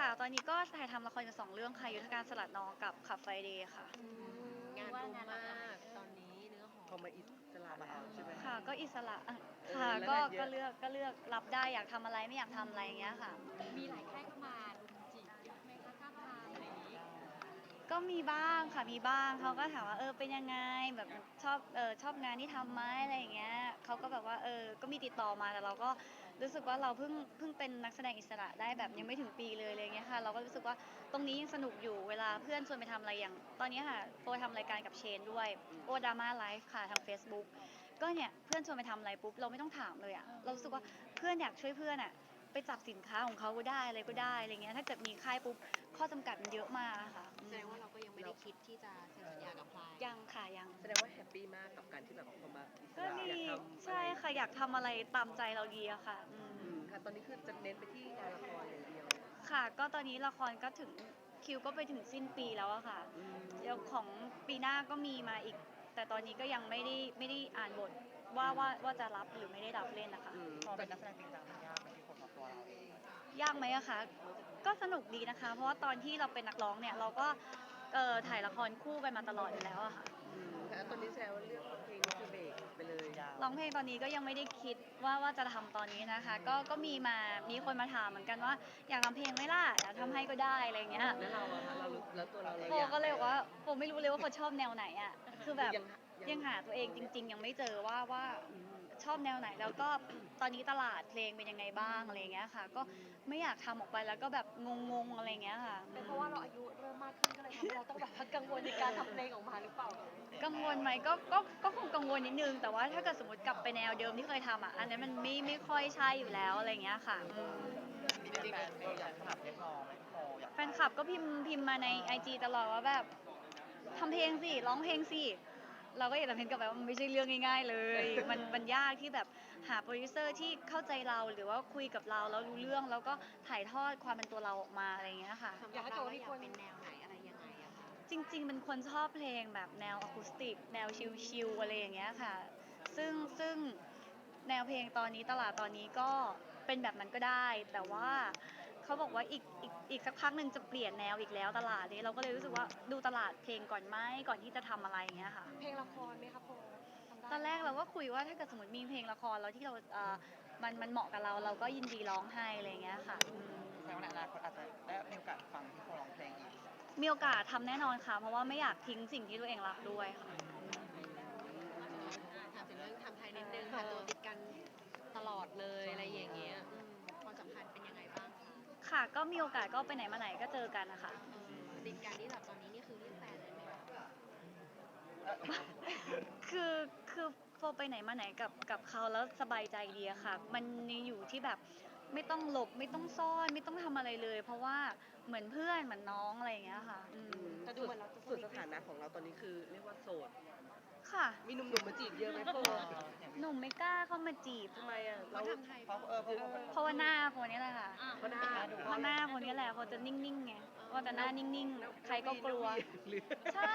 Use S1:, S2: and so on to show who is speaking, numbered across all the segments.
S1: ค่ะตอนนี้ก็ถ่ายทำละครอยู่2 เรื่องค่ะยุทธการสลัดน้องกับขับไฟเดย์ค่ะ
S2: งานรุมมากตอนนี้เนื้อหอม
S3: พอมาอิสระแล้วใช่ไหม
S1: ค่ะก็อิสระค่ะ
S3: แล้ว
S1: ก็
S3: งานเยอะ
S1: ก็เลือกรับได้อยากทำอะไรไม่อยากทำอะไรอย่างเงี้ยค่ะ
S2: มีหลายค่ายเข้ามารุมจีบเยอะไหมคะท้าบทามอะไรอย่างนี้
S1: ก็มีบ้างค่ะมีบ้างเขาก็ถามว่าเป็นยังไงแบบชอบงานที่ทำไหมอะไรอย่างเงี้ยเขาก็แบบว่าก็มีติดต่อมาแต่เราก็รู้สึกว่าเราเพิ่งเป็นนักแสดงอิสระได้แบบยังไม่ถึงปีเลยอะไรเงี้ยค่ะเราก็รู้สึกว่าตรงนี้ยังสนุกอยู่เวลาเพื่อนชวนไปทำอะไรอย่างตอนนี้ค่ะโปรทำรายการกับเชนด้วยโอดราม่าไลฟ์ค่ะทาง Facebook ก็เนี่ยเพื่อนชวนไปทำอะไรปุ๊บเราไม่ต้องถามเลยอะเรารู้สึกว่าเพื่อนอยากช่วยเพื่อนอะไปจับสินค้าของเขาก็ได้อะไรก็ได้อะไรเงี้ยถ้าเกิดมีค่ายปุ๊บข้อจำกัดมันเยอะมากอะค่ะ
S2: แสดงว่าเราก็ยังไม่ได้คิดที่จะเซ็นสัญญากับใคร
S1: ยังค่ะยัง
S3: แสดงว่าแฮปปี้มากกับการที่แบบพอมาอิส
S1: ก็
S3: ระ
S1: ดี
S3: อยากทำ
S1: ใช่ค่ะอยากทำอะไรตามใจเราดีอะค่ะ
S3: ค่ะตอนนี้คือจะเน้นไปที่งานละครอย่างเดียว
S1: ค่ะก็ตอนนี้ละครก็ถึงคิวก็ไปถึงสิ้นปีแล้วอะค่ะ
S3: อืม
S1: เดี๋ยวของปีหน้าก็มีมาอีกแต่ตอนนี้ก็ยังไม่ได้อ่านบทว่าจะรับหรือไม่ได้รับเล่นนะคะ
S4: พอเป็นนักแสดงจริงจังมันยากไหมที่คนของตัวเราเอง
S1: ยากไหมอะคะก็สนุกดีนะคะเพราะว่าตอนที่เราเป็นนักร้องเนี่ยเราก็ถ่ายละครคู่กันมาตลอดอยู่แล้วอะค่ะ
S3: แล้วตอนนี้แซวว่าเรื่องเพลงนี่คือเบรกไปเลย
S1: ร้องเพลงตอนนี้ก็ยังไม่ได้คิดว่าจะทำตอนนี้นะคะก็มีคนมาถามเหมือนกันว่าอยากทำเพลงไหมล่ะอยากทำให้ก็ได้อะไรเงี้ย
S3: แล้วเราอะคะเราแล้วตัวเรา
S1: โฟ
S3: อยาก
S1: ก็เลยบอกว่าโฟไม่รู้เลยว่าโฟชอบแนวไหนอ่ะคือแบบ
S3: ยัง
S1: ยังหาตัวเองจริงๆยังไม่เจอว่าชอบแนวไหนแล้วก็ตอนนี้ตลาดเพลงเป็นยังไงบ้างอะไรเงี้ยค่ะก็ไม่อยากทำออกไปแล้วก็แบบงงๆอะไรเงี้ยค่ะ
S2: เป็นเพราะว่าเราอายุเริ่มมากขึ้นก็เลยทำให้เราต้องแบบกังวลในการทำเพลงออกมาหรือเปล่า
S1: กังวลไหมก็คงกังวลนิดนึงแต่ว่าถ้าเกิดสมมติกลับไปแนวเดิมที่เคยทำอ่ะอันนั้นมันไม่ค่อยใช่อยู่แล้วอะไรเงี้ยค่ะ
S4: มีจริงๆเราอยากถามเรียกร้องไหมโมอยาก
S1: แฟนคลับก็พิมพ์มาในIGตลอดว่าแบบทำเพลงสิร้องเพลงสิเราก็อยากทำเพลงกับแบบมันไม่ใช่เรื่องง่ายๆเลยมันยากที่แบบหาโปรดิวเซอร์ที่เข้าใจเราหรือว่าคุยกับเราแล้วรู้เรื่องแล้วก็ถ่ายทอดความเป็นตัวเราออกมาอะไรอย่างเงี้ยค่ะ
S2: อยากให้เราอยากเป็นแนวไหนอะไรยังไงอะคะ
S1: จริงๆเป็นคนชอบเพลงแบบแนวอะคูสติกแนวชิลๆอะไรอย่างเงี้ยค่ะซึ่งแนวเพลงตอนนี้ตลาดตอนนี้ก็เป็นแบบนั้นก็ได้แต่ว่าเขาบอกว่าอีกสักพักหนึ่งจะเปลี่ยนแนวอีกแล้วตลาดนี้เราก็เลยรู้สึกว่าดูตลาดเพลงก่อนไหมก่อนที่จะทำอะไรอย่างเงี้ยค่ะ
S2: เพลงละครไหมคะโพทำได้
S1: ตอนแรกเราก็คุยว่าถ้าเกิดสมมติมีเพลงละครแล้วที่เรามันเหมาะกับเราก็ยินดีร้องให้อะไรอย่างเงี้ยค่ะ
S4: แสดงว่าในอนาคตอาจจะได้มีโอกาสฟังที่เขาร้องเพลงอีก
S1: มีโอกาสทำแน่นอนค่ะเพราะว่าไม่อยากทิ้งสิ่งที่ตัวเองรักด้วยค่ะ
S2: ถามถึงเรื่องทำไทยนิดนึงค่ะตัวติดกันตลอดเลยอะไรอย่างเงี้ยความสัมพันธ์เป็นยังไงบ้างคะ
S1: ค่ะก็มีโอกาสก็ไปไหนมาไหนก็เจอกันนะคะ
S2: ติดกันนี่แบบตอนนี้นี่คือเรียกแฟนเลยไหมคะ
S1: คือโฟไปไหนมาไหนกับเขาแล้วสบายใจดีอะค่ะมันอยู่ที่แบบไม่ต้องหลบไม่ต้องซ่อนไม่ต้องทำอะไรเลย เพราะว่าเหมือนเพื่อนเหมือนน้องอะไรอย่างเงี้ยค่ะ
S2: แต่ดูเหมือนเราจะ
S3: ส่วนสถานะของเราตอนนี้คือเรียกว่าโสด
S1: ค่ะ
S3: มีหนุ่มๆมาจีบเยอะไหมพ่อ
S1: หนุ่มไม่กล้าเข้ามาจีบ
S3: ทำไมอ่ะ
S2: เขาทำไทย
S1: เพราะว่าหน้าโฟนี่แหละค่ะ
S3: เพราะหน้า
S1: เพราะหน้าโฟนี่แหละโฟจะนิ่งๆไงว่าแต่หน้านิ่งๆใครก็กลัว
S3: หรือ
S1: ใช่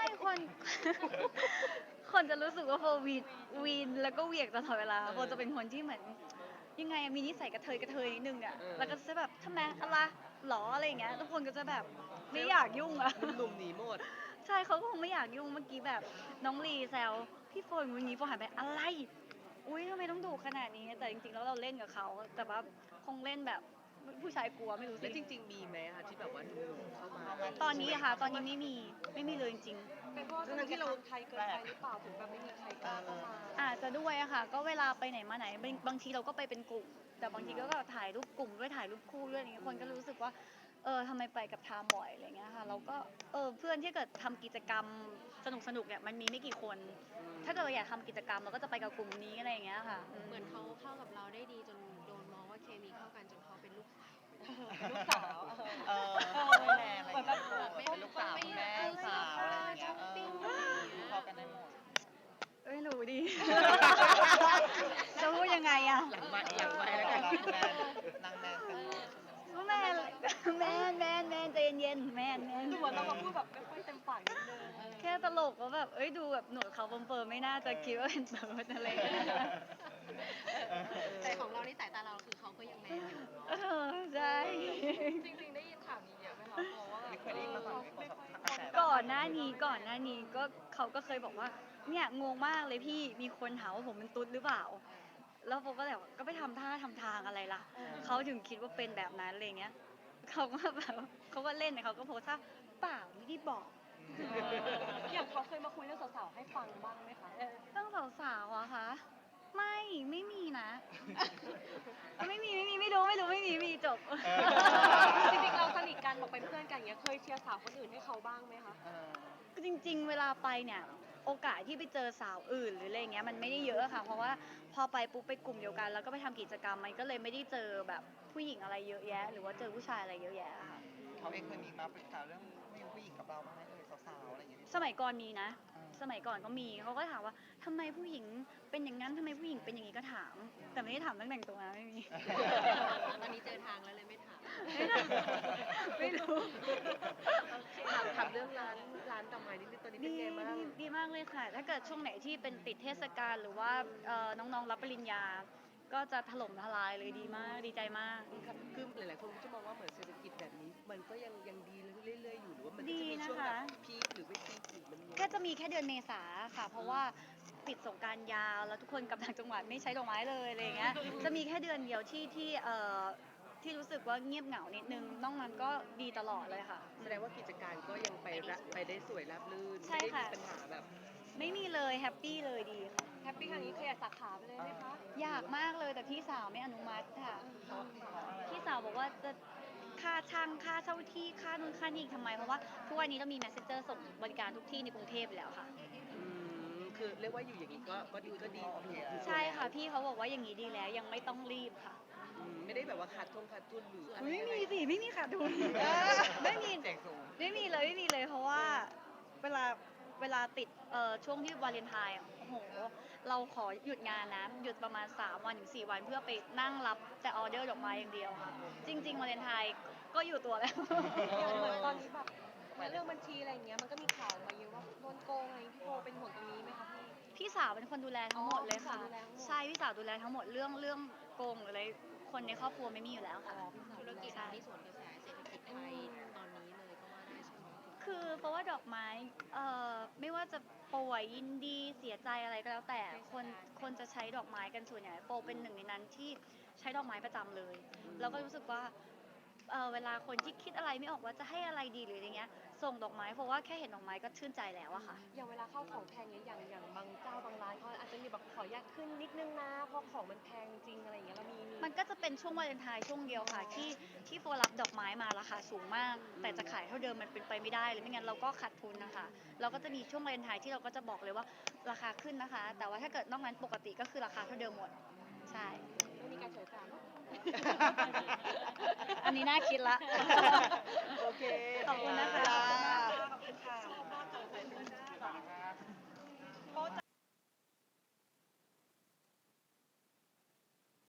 S1: คนจะรู้สึกว่าโฟวีนแล้วก็เหวี่ยงตลอดเวลาโฟจะเป็นคนที่เหมือนยังไงอะมีนิสัยกระเทยนิดนึงอะแล้วก็จะแบบทำไมอะไรหรออะไรอย่างเงี้ยทุกคนก็จะแบบไม่อยากยุ่งอะ
S3: หนุ่มๆหนีหมด
S1: ใช่เขาก็คงไม่อยากยุ่งเมื่อกี้แบบน้องลีแซวพี่โฟนวันนี้โฟหันไปอะไรอุ้ยทำไมต้องดุขนาดนี้แต่จริงๆแล้วเราเล่นกับเขาแต่ว่าคงเล่นแบบผู้ชายกลัวไม่รู้สิ
S3: แล้วจริงๆมีไหมคะที่แบบว่าหนุ่มๆเข้ามา
S1: ตอนนี้อะค่ะตอนนี้ไม่มีเลยจริงๆ
S2: เป็นเพราะว่าที่เราไทยเกินไปหรือเปล่าถึงแบบไม่มีใครกล้าเข้ามา
S1: อาจจะด้วยอะค่ะก็เวลาไปไหนมาไหนบางทีเราก็ไปเป็นกลุ่มแต่บางทีก็ถ่ายรูปกลุ่มด้วยถ่ายรูปคู่ด้วยอย่างเงี้ยคนก็รู้สึกว่าทำไมไปกับไทม์บ่อยอะไรเงี้ยค่ะเราก็เพื่อนที่เกิดทำกิจกรรมสนุกเนี่ยมันมีไม่กี่คน ถ้าเกิดเราอยากทำกิจกรรมเราก็จะไปกับกลุ่มนี้อะไรอย่างเงี้ยค่ะ
S2: เหมือนเขาเข้ากับเราได้ดีจนโดนมองว่าเคมีเข้ากันจนเขาเป็นลูกสาวลูกสาว
S4: ไม่แน่อะไรอย่างเงี้ยเป็นลูกสาวแม่สาวอะไรอย่างเงี้ยเข้ากันได้หมด
S1: ไม่รู้ดิ จะพูดยังไงอะ
S3: หลังไม้แล้วกัน
S4: นางแมนกัน
S1: แมนใจเย็นๆแมน
S2: ดูเหมือนเรามาพูดแบบไม่ค่อยเต็มปากนิดนึง
S1: แค่ตลกว่าแบบดูแบบหนวดเขาเฟิร์มๆไม่น่าจะคิดว่าเป็นเติร์ดอะไรอย่างเงี้ย
S2: แต่ของเรานี่สายตาเราคือเขาก็ยังแมนอยู่
S1: ใช่
S2: จริงๆได้ยินข่าวนี้เย
S1: ก่อนหน้านี้ก็เขาก็เคยบอกว่าเนี่ยงงมากเลยพี่มีคนถามว่าผมเป็นตุ๊ดหรือเปล่า แล้วโฟก็แบบก็ไปทำท่าทำทางอะไรล่ะเขาถึงคิดว่าเป็นแบบนั้นอะไรเงี้ยเขาก็แบบเขาก็เล่นเขาก็โพสต์ว่าเปล่าไม่ได้บอก
S2: อย่างเขาเคยมาคุยเรื่องสาวๆให้ฟังบ้างไหมคะ
S1: ต้องสาวๆอะคะไม่มีนะ ไม่มีไม่รู้ไม่มีจบ
S2: จริงๆเราสนิทกันบอกเป็นเพื่อนกันอย่างเงี้ยเคยเชียร์สาวคนอื่นให้เขาบ้างไหมคะ
S1: จริงๆ เวลาไปเนี่ยโอกาสที่ไปเจอสาวอื่นหรืออะไรเงี้ยมันไม่ได้เยอะค่ะ เพราะว่าพอไปปุ๊บไปกลุ่มเดียวกันแล้วก็ไปทำกิจกรรมมันก็เลยไม่ได้เจอแบบผู้หญิงอะไรเยอะแยะ หรือว่าเจอผู้ชายอะไรเยอะแยะอะค่ะ
S4: เขาเองเคยมีมาปรึกษาเรื่องผู้หญิงกับเราบ้างไหมสาวๆอะไรอย่างเงี้ย
S1: สมัยก่อนมีนะ สมัยก่อนก็มีเขาก็ถามว่าทำไมผู้หญิงเป็นอย่างนั้นทำไมผู้หญิงเป็นอย่างนี้ก็ถาม แต่ไม่ได้ถามเรื่องแต่งตัวนะไม่มี
S2: ตอนนี้เจอทางแล้วเลยไม่ถาม
S1: ไม่รู้
S3: ถามเรื่องร้านดอกไม้นิดนึงตอนนี้เป็น
S1: ดี
S3: ไงบ้าง
S1: ดีมากเลยค่ะ ถ้าเกิดช่วงไหนที่เป็นติดเทศกาลหรือว่าน้องๆรับปริญญา ก็จะถล่มทลายเลยดีมากดีใจมาก
S3: ครับคือหลายๆคนก็จะมองว่าเหมือนเศรษฐกิจแบบนี้ มันก็ยังดีเรื่อยๆอยู่หรือว่ามันก็จะมี
S1: ดีนะคะ
S3: ช่วงแบบพีคหรือไม่พีคหรือมันยังไง
S1: แค่จะมีแค่เดือนเมษาค่ะ เพราะว่าปิดสงกรารยาวแล้วทุกคนกลับต่างจังหวัดไม่ใช้ดอกไม้เลยอะไรอย่างเงี้ย จะมีแค่เดือนเดียวที่รู้สึกว่าเงียบเหงานิดนึงนอกนั้นก็ดีตลอดเลยค่ะ
S3: แสดงว่ากิจการก็ยังไปได้สวยราบรื่น
S1: ใช่
S3: ไม่ได้
S1: ค่ะ
S3: มีปัญหาแบบ
S1: ไม่มีเลยแฮปปี้เลยดีค่ะ
S2: แฮปปี้ครั้งนี้ขยายสาขาไปเลยไหมคะ
S1: อยากมากเลยแต่พี่สาวไม่อนุมัติค่ะ พี่สาวบอกว่าจะค่าช่างค่าเช่าที่ค่านู่นค่านี่อีกทำไม เพราะว่าทุกวันนี้เรามี messenger ส่งบริการทุกที่ในกรุงเทพไปแล้วค่ะ
S3: คือเรียกว่าอยู่อย่างนี้ก็ดีอยู่
S1: ใช่ค่ะพี่เขาบอกว่าอย่างนี้ดีแล้วยังไม่ต้องรีบค่ะ
S3: ไม่ได้แบบว่าขาดทุนหรืออะไร
S1: ไม่มีสิไม่มีขาดทุนไม่มี
S4: เสียงสูง
S1: ไม่มีเลยเพราะว่าเวลาติดช่วงที่วาเลนไทน์อะโอ้โหเราขอหยุดงานนะหยุดประมาณ3 วันถึง 4 วันเพื่อไปนั่งรับแต่ออเดอร์ดอกไม้อย่างเดียวค่ะ จริงๆวาเลนไทน์ก็อยู่ตัวแล้ว
S2: อย่างเหมือนตอนนี้แบบเรื่องบัญชีอะไรอย่างเงี้ยมันก็มีข่าวมาเยอะว่าโดนโกงอะไรอย่างงี้พี่โบเป็นห่วงตรงนี้ไหมคะพี่
S1: พี่สาวเป็นคนดูแลทั้งหมดเลยค่ะ
S2: อ๋อพี่สาวดูแลทั้งหมด
S1: ใช่พี่สาวดูแลทั้งหมดเรื่องโกงหรืออะไรคนในครอบครัวไม่มีอยู่แล้วค่ะ
S2: ธุรกิจ
S1: ใช่
S2: ที่สวนกระแสเศรษฐกิจไทยตอนนี้เลยก็ว่าได้ใช่ไหม
S1: คือเพราะว่าดอกไม้ไม่ว่าจะป่วยยินดีเสียใจอะไรก็แล้วแต่คนจะใช้ดอกไม้กันส่วนใหญ่โปเป็นหนึ่งในนั้นที่ใช้ดอกไม้ประจำเลยแล้วก็รู้สึกว่าเวลาคนที่คิดอะไรไม่ออกว่าจะให้อะไรดีหรืออะไรเงี้ยส่งดอกไม้เพราะว่าแค่เห็นดอกไม้ก็ชื่นใจแล้วอะค่ะ
S2: อย่างเวลาเข้าของแพงเนี้ยอย่างบางเจ้าบางร้านเขาอาจจะมีแบบขออนุญาตขึ้นนิดนึงนะเพราะของมันแพงจริงอะไรอย่างเงี้ยเรามี
S1: มันก็จะเป็นช่วงวาเลนไทน์ช่วงเดียวค่ะที่โฟรับดอกไม้มาราคาสูงมาก แต่จะขายเท่าเดิมมันเป็นไปไม่ได้เลยไม่งั้นเราก็ขาดทุนนะคะเราก็จะมีช่วงวาเลนไทน์ที่เราก็จะบอกเลยว่าราคาขึ้นนะคะ แต่ว่าถ้าเกิดนอกนั้นปกติก็คือราคาเท่าเดิมหมดใช่
S2: ไม่มีการเฉยจ่ายเนอะ
S1: อันนี้น่าคิดละ
S3: โอเค
S1: ขอบคุณนะคะ